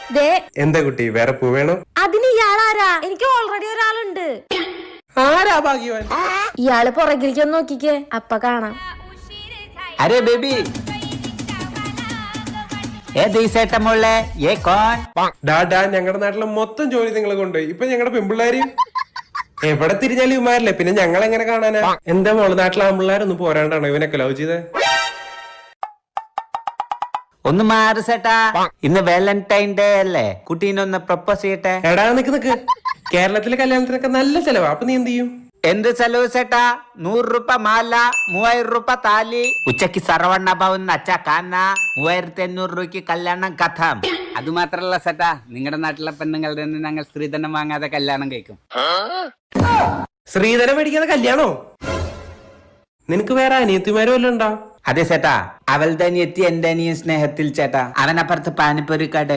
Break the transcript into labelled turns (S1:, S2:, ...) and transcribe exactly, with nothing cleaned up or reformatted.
S1: എന്താ കുട്ടി വേറെ പൂ വേണോ?
S2: അതിന് ഇയാളാരാ? എനിക്ക് ഓൾറെഡി ഒരാളുണ്ട്.
S1: ആരാ ഭാഗ്യവാൻ?
S2: ഇയാള് പുറകിലേക്ക് ഒന്ന് നോക്കിക്കേ, അപ്പ കാണാം.
S3: अरे बेबी ए दीसेटा मोले ये कौन
S1: ഡാ ഡാ ഞങ്ങളുടെ നാട്ടിലെ മൊത്തം ജോലി നിങ്ങളെ കൊണ്ട് ഇപ്പൊ ഞങ്ങളുടെ പെമ്പിള്ളേര് എവിടെ തിരിഞ്ഞാലും ഇവന്മാരല്ലേ, പിന്നെ ഞങ്ങൾ എങ്ങനെ കാണാനാ? എന്താ മോള് നാട്ടിലെ ആമ്പിള്ളേരൊന്നും പോരാണ്ടാണോ ഇവനൊക്കെ ലവ് ചെയ്തേ?
S3: ഒന്ന് മാറ് ചേട്ടാ, ഇന്ന് വാലന്റൈൻ ഡേ അല്ലേ, കുട്ടീനെ ഒന്ന് പ്രപ്പോസ് ചെയ്യട്ടെ.
S1: എടാ നിക്ക് നിക്ക്, കേരളത്തിലെ കല്യാണത്തിനൊക്കെ നല്ല ചെലവാ, അപ്പൊ നീ എന്ത് ചെയ്യും?
S3: എന്ത് ചെലവ് ചേട്ടാ? നൂറ് രൂപ മാല, മൂവായിരം രൂപ താലി, ഉച്ചക്ക് സർവണ്ണ ഭവൻ അച്ഛ കാന, മൂവായിരത്തി അഞ്ഞൂറ് രൂപയ്ക്ക് കല്യാണം കഥം. അത് മാത്രല്ല ചേട്ടാ, നിങ്ങളുടെ നാട്ടിലെ പെണ്ണുങ്ങളുടെ നിന്ന് ഞങ്ങൾ സ്ത്രീധനം വാങ്ങാതെ കല്യാണം കഴിക്കും.
S1: ശ്രീധരം മേടിക്കാതെ കല്യാണോ? നിനക്ക് വേറെ അനിയത്തിമാരും വല്ലതും ഉണ്ടോ?
S3: അതെ ചേട്ടാ, അവളുടെ അനിയത്തി എന്റെ അനിയൻ സ്നേഹത്തിൽ ചേട്ടാ, അവനപ്പുറത്ത് പാനിപ്പൊരി കട